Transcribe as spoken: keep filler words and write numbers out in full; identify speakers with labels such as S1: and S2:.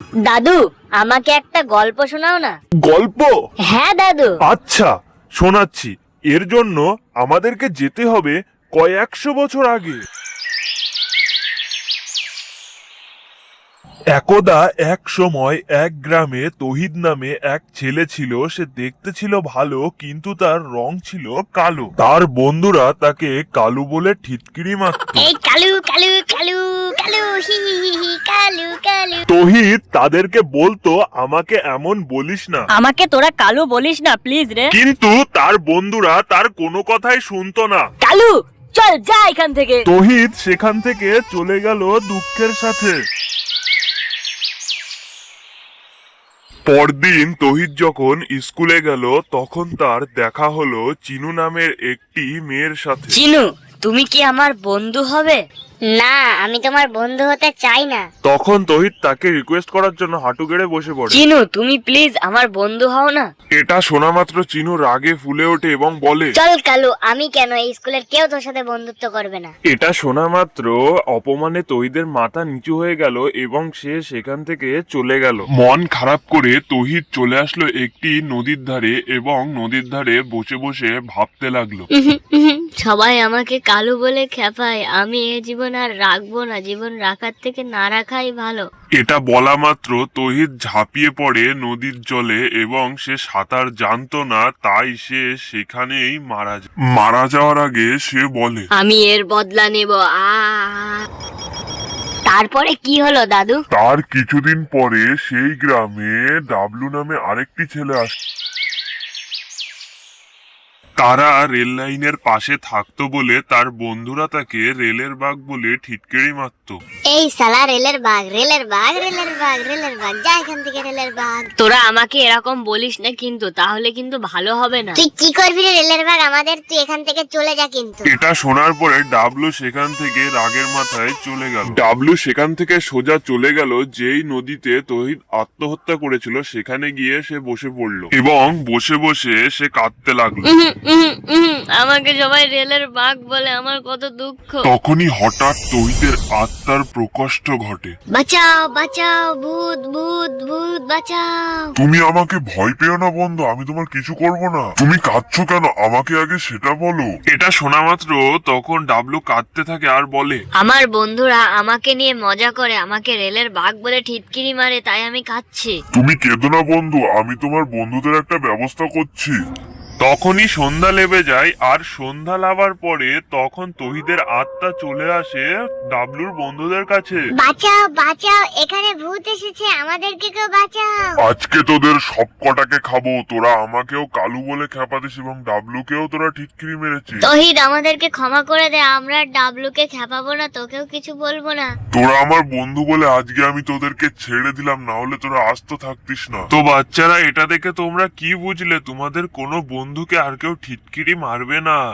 S1: দাদু, আমাকে একটা গল্প শোনাও না।
S2: গল্প?
S1: হ্যাঁ দাদু।
S2: আচ্ছা, শোনাচ্ছি। এর জন্য আমাদেরকে যেতে হবে কয়েকশো বছর আগে। একদা এক সময় এক গ্রামে তহিদ নামে এক ছেলে ছিল। সে দেখতে ছিল ভালো, কিন্তু তার রং ছিল কালো। তার বন্ধুরা তাকে কালু বলে ঠিটকিরি মারত।
S1: এই কালু কালু কালু কালু হি হি হি হি কালু কালু।
S2: তহিদ তাদেরকে বলতো, আমাকে এমন বলিস না।
S1: আমাকে তোরা কালু বলিস না প্লিজ রে।
S2: কিন্তু তার বন্ধুরা তার কোনো কথাই শুনতো না।
S1: কালু, চল যা এখান থেকে।
S2: তহিদ সেখান থেকে চলে গেল দুঃখের সাথে। পরদিন তহিদ যখন স্কুলে গেল, তখন তার দেখা হলো চিনু নামের একটি মেয়ের সাথে।
S1: চিনু, তুমি কি আমার বন্ধু হবে? না, আমি তোমার বন্ধু হতে চাই না।
S2: তখন তহিদ তাকে রিকোয়েস্ট করার জন্য হাঁটু গেড়ে বসে পড়ে।
S1: চিনু, তুমি প্লিজ আমার বন্ধু হও না।
S2: এটা শোনা মাত্র চিনু রাগে ফুলে ওঠে এবং বলে,
S1: চল কালু, আমি কেন, এই স্কুলের কেউ তোর সাথে বন্ধুত্ব করবে না।
S2: এটা শোনা মাত্র অপমানে তহিদের মাথা নিচু হয়ে গেল এবং সে সেখান থেকে চলে গেল। মন খারাপ করে তহিদ চলে আসলো একটি নদীর ধারে এবং নদীর ধারে বসে বসে ভাবতে লাগলো।
S1: সবাই আমাকে কালু বলে খেপায়, আমি এ জীবন আর রাখবো না, জীবন রাখার থেকে না রাখাই ভালো।
S2: এটা বলা মাত্র তহিদ ঝাঁপিয়ে পড়ে নদীর জলে এবং সে সাঁতার জানতো না, তাই সে সেখানেই মারা যায়। মারা যাওয়ার আগে সে বলে,
S1: আমি এর বদলা নেব। আ তারপরে কি হলো দাদু?
S2: তার কিছুদিন পরে সেই গ্রামে ডাবলু নামে আরেকটি ছেলে আসে। তারা রেল লাইনের পাশে থাকতো বলে তার বন্ধুরা তাকে রেলের বাঘ বলে ঠিটকেরি মারতো।
S1: এই সালা রেলের বাঘ, রেলের বাঘ, রেলের বাঘ, রেলের বাঘ, যা এখান থেকে রেলের বাঘ। তোরা আমাকে এরকম বলিস না কিন্তু, তাহলে কিন্তু ভালো হবে না। তুই কি করবি রে রেলের বাঘ আমাদের? তুই এখান থেকে চলে যা কিন্তু।
S2: এটা শোনার পরে ডাবলু সেখান থেকে রাগের মাথায় চলে গেল। ডাবলু সেখান থেকে সোজা চলে গেল যেই নদীতে তহিদ আত্মহত্যা করেছিল, সেখানে গিয়ে সে বসে পড়লো এবং বসে বসে সে কাঁদতে লাগলো।
S1: আমাকে সবাই রেলের বাঘ বলে, আমার কত দুঃখ।
S2: তখনই হঠাৎ তহিদের আত্মার প্রকষ্ট ঘটে।
S1: বাঁচাও বাঁচাও, ভূত ভূত ভূত, বাঁচাও।
S2: তুমি আমাকে ভয় পেও না বন্ধু, আমি তোমার কিছু করব না। তুমি কাঁদছো কেন, আমাকে আগে সেটা বলো। এটা শোনা মাত্র তখন ডাবলু কাঁদতে থাকে আর বলে,
S1: আমার বন্ধুরা আমাকে নিয়ে মজা করে, আমাকে রেলের বাঘ বলে ঠিটকিরি মারে, তাই আমি কাঁদছি।
S2: তুমি কেঁদো না বন্ধু, আমি তোমার বন্ধুদের একটা ব্যবস্থা করছি। তখনই সন্ধ্যা লেবে যায়, আর সন্ধ্যা লাগার পরে তখন তহিদের আত্মা চলে আসে ডাবলুর বন্ধুদের কাছে।
S1: বাঁচাও বাঁচাও, এখানে ভূত এসেছে, আমাদেরকে কেউ বাঁচাও।
S2: আজকে তোদের সব কটাকে খাবো। তোরা আমাকেও কালু বলে খেপাতিস এবং ডাবলুকেও তোরা ঠিটকিরি মেরেছিস।
S1: তহিদ, আমাদেরকে ক্ষমা করে দে, আমরা ডাবলুকে খেপাবো না, তোকেও কিছু বলবো না।
S2: তোরা আমার বন্ধু বলে আজকে আমি তোদেরকে ছেড়ে দিলাম, না হলে তোরা আস্ত থাকতিস না। তো বাচ্চারা, এটা দেখে তোমরা কি বুঝলে? তোমাদের কোনো বন্ধুকে আর কেউ ঠিটকিরি মারবে না।